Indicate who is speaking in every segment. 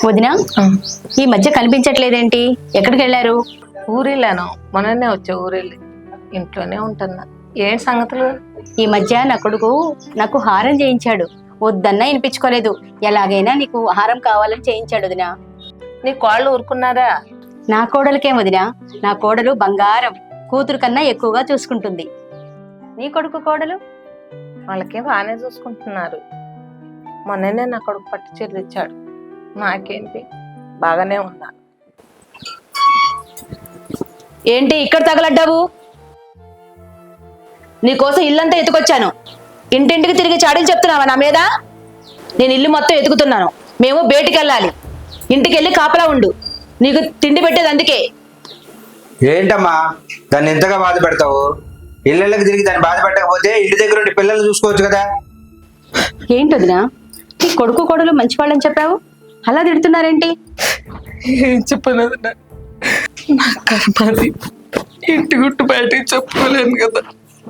Speaker 1: వదినా, ఈ మధ్య కనిపించట్లేదేంటి? ఎక్కడికి వెళ్ళారు?
Speaker 2: ఊరెళ్ళాను, మొన్ననే వచ్చా. ఊరెళ్ళి ఇంట్లోనే ఉంటున్నా. ఏం సంగతులు?
Speaker 1: ఈ మధ్య నా కొడుకు నాకు హారం చేయించాడు. వద్దన్నా వినిపించుకోలేదు. ఎలాగైనా నీకు హారం కావాలని చేయించాడు వదినా.
Speaker 2: నీ కోళ్ళు ఊరుకున్నారా?
Speaker 1: నా కోడలికేం వదినా, నా కోడలు బంగారం, కూతురు కన్నా ఎక్కువగా చూసుకుంటుంది. నీ కొడుకు కోడలు?
Speaker 2: వాళ్ళకే బాగానే చూసుకుంటున్నారు. మొన్ననే నా కొడుకు పట్టు చీరలు ఇచ్చాడు. నాకేంటి, బాగానే ఉన్నా.
Speaker 3: ఏంటి ఇక్కడ తగలడ్డావు? నీకోసం ఇల్లంతా ఎత్తుకొచ్చాను. ఇంటింటికి తిరిగి చాడీలు చెప్తున్నావా నా మీద? నేను ఇల్లు మొత్తం ఎతుకుతున్నాను. మేము బయటికి వెళ్ళాలి. ఇంటికి వెళ్ళి కాపలా ఉండు. నీకు తిండి పెట్టేది అందుకే.
Speaker 4: ఏంటమ్మా దాన్ని ఎంతగా బాధ పెడతావు? ఇళ్ళకి తిరిగి దాన్ని బాధ పెట్టకపోతే ఇంటి దగ్గర ఉండి పిల్లల్ని చూసుకోవచ్చు కదా.
Speaker 1: ఏంటి వదినా, నీ కొడుకు కోడలు మంచి వాళ్ళని చెప్పావు, అలా తిడుతున్నారేంటి?
Speaker 2: ఏం చెప్పనది, నా కర్మది. ఇంటి గుట్టు బయటికి చెప్పుకోలేను కదా.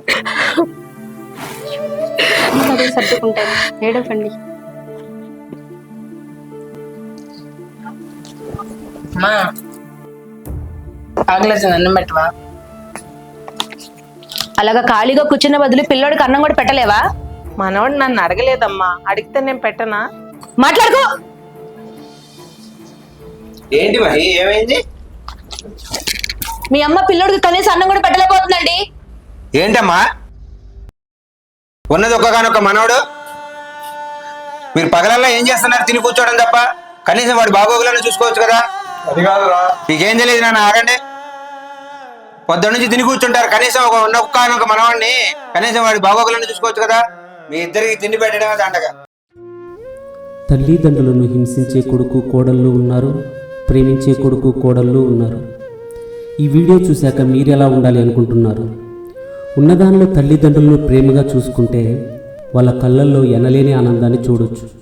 Speaker 1: అదే సర్దుకుంటాను, ఏడవకండి.
Speaker 2: అమ్మా ఆగలేదు, అన్నం పెట్టవా?
Speaker 3: అలాగా ఖాళీగా కూర్చున్న బదులు పిల్లోడికి అన్నం కూడా పెట్టలేవా?
Speaker 2: మనవాడు నన్ను అడగలేదమ్మా, అడిగితే నేను పెట్టనా?
Speaker 3: మాట్లాడుకో.
Speaker 4: ఏంటి మరి, ఏమైంది?
Speaker 3: మీ అమ్మ పిల్లోడికి కనీసం అన్నం కూడా పెట్టలేకపోతుందండి.
Speaker 4: ఏంటమ్మా ఉన్నది ఒక్కగానొక్క మనవడు, మీరు పగలల్లా ఏం చేస్తున్నారు? తిని కూర్చోవడం తప్ప కనీసం వాడి బాగోగులను చూసుకోవచ్చు కదా.
Speaker 5: అది కాదురా,
Speaker 4: మీకేం తెలియదు నాన్న, ఆగండి. పొద్దున్న నుంచి తిని కూర్చుంటారు. కనీసం ఒక్కగానొక్క మనవాడిని కనీసం వాడి బాగోగులను చూసుకోవచ్చు కదా. మీ ఇద్దరికి తిండి పెట్టడమే దండగా.
Speaker 6: తల్లిదండ్రులను హింసించే కొడుకు కోడళ్ళు ఉన్నారు, ప్రేమించే కొడుకు కోడళ్ళు ఉన్నారు. ఈ వీడియో చూశాక మీరెలా ఉండాలి అనుకుంటున్నారు? ఉన్నదానిలో తల్లిదండ్రులను ప్రేమగా చూసుకుంటే వాళ్ళ కళ్ళల్లో ఎనలేని ఆనందాన్ని చూడొచ్చు.